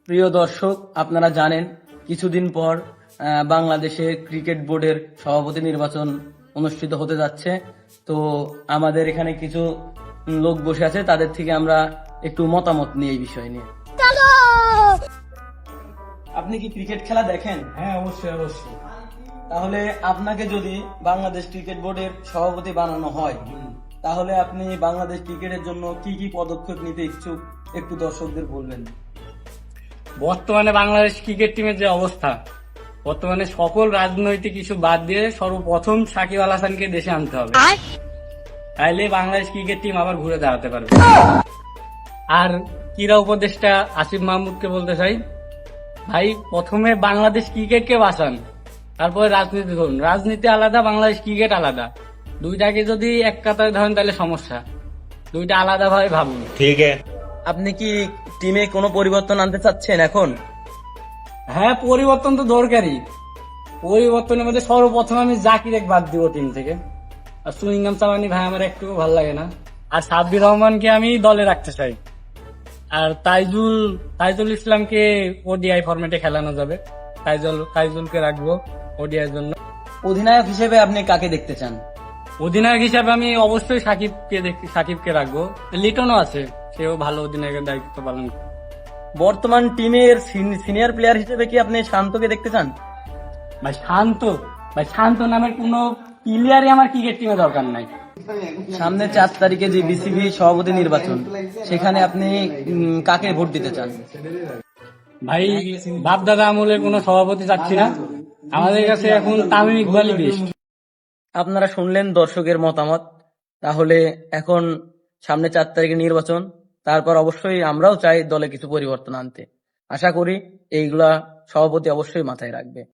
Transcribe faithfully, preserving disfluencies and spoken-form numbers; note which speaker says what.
Speaker 1: প্রিয় দর্শক, আপনারা জানেন কিছুদিন পর আহ, বাংলাদেশে ক্রিকেট বোর্ডের সভাপতি নির্বাচন অনুষ্ঠিত হতে যাচ্ছে। তো আমাদের এখানে কিছু লোক বসে আছে, তাদের থেকে আমরা একটু মতামত নিই এই বিষয় নিয়ে। আপনি কি ক্রিকেট খেলা দেখেন?
Speaker 2: হ্যাঁ, অবশ্যই অবশ্যই।
Speaker 1: তাহলে আপনাকে যদি বাংলাদেশ ক্রিকেট বোর্ডের সভাপতি বানানো হয়, তাহলে আপনি বাংলাদেশ ক্রিকেটের জন্য কি কি পদক্ষেপ নিতে ইচ্ছুক একটু দর্শকদের বলবেন।
Speaker 2: বর্তমানে বাংলাদেশ ক্রিকেট টিমের যে অবস্থা, বর্তমানে সকল রাজনৈতিক ইস্যু বাদ দিয়ে সর্বপ্রথম সাকিব আল হাসানকে দেশে আনতে হবে, তাইলে বাংলাদেশ ক্রিকেট টিম আবার ঘুরে দাঁড়াতে পারবে। আর ক্রীড়া উপদেষ্টা আসিফ মাহমুদকে বলতে চাই, ভাই প্রথমে বাংলাদেশ ক্রিকেটকে বাঁচান, তারপরে রাজনীতি ধরুন। রাজনীতি আলাদা, বাংলাদেশ ক্রিকেট আলাদা। দুইটাকে যদি এক কাতারে ধরেন তাহলে সমস্যা। দুইটা আলাদা ভাবে ভাবুন।
Speaker 3: ठीक है।
Speaker 1: আপনি কি টিমে কোনো পরিবর্তন আনতে চাচ্ছেন এখন?
Speaker 2: হ্যাঁ, পরিবর্তন তো দরকারই। পরিবর্তনের মধ্যে সর্বপ্রথম আমি জাকির বাদ দিব টিম থেকে। আর সুইংগাম চাওয়ানি ভাই আমার একটু ভালো লাগে না। আর সাব্বির রহমানকে আমি দলে রাখতে চাই। আর তাইজুল তাইজুল ইসলামকে ওডিআই ফরম্যাটে খেলানো যাবে। তাইজুল তাইজুলকে রাখবো ওডিআই জন্য।
Speaker 1: অধিনায়ক হিসেবে আপনি কাকে দেখতে চান?
Speaker 2: অধিনায়ক হিসাবে আমি অবশ্যই সাকিবকে দেখ- সাকিবকে রাখবো। লিটনও আছে, সেও ভালো অধিনায়কের দায়িত্ব পালন করে।
Speaker 1: বর্তমান টিমের সিনিয়র প্লেয়ার হিসেবে কি আপনি শান্তকে দেখতে চান?
Speaker 2: ভাই শান্ত ভাই শান্ত নামের কোনো প্লেয়ারই আমার ক্রিকেট টিমে দরকার নাই।
Speaker 1: সামনে চার তারিখে যে বিসিবি সভাপতি নির্বাচন, সেখানে আপনি উম, কাকে ভোট দিতে চান?
Speaker 2: ভাই বাপ দাদা আমলের কোনো সভাপতি চাচ্ছি না, আমাদের কাছে এখন তামিম ইকবালই বেস্ট।
Speaker 1: আপনারা শুনলেন দর্শকের মতামত। তাহলে এখন সামনে চার তারিখে নির্বাচন, তারপর অবশ্যই আমরাও চাই দলে কিছু পরিবর্তন আনতে। আশা করি এইগুলা সভাপতি অবশ্যই মাথায় রাখবে।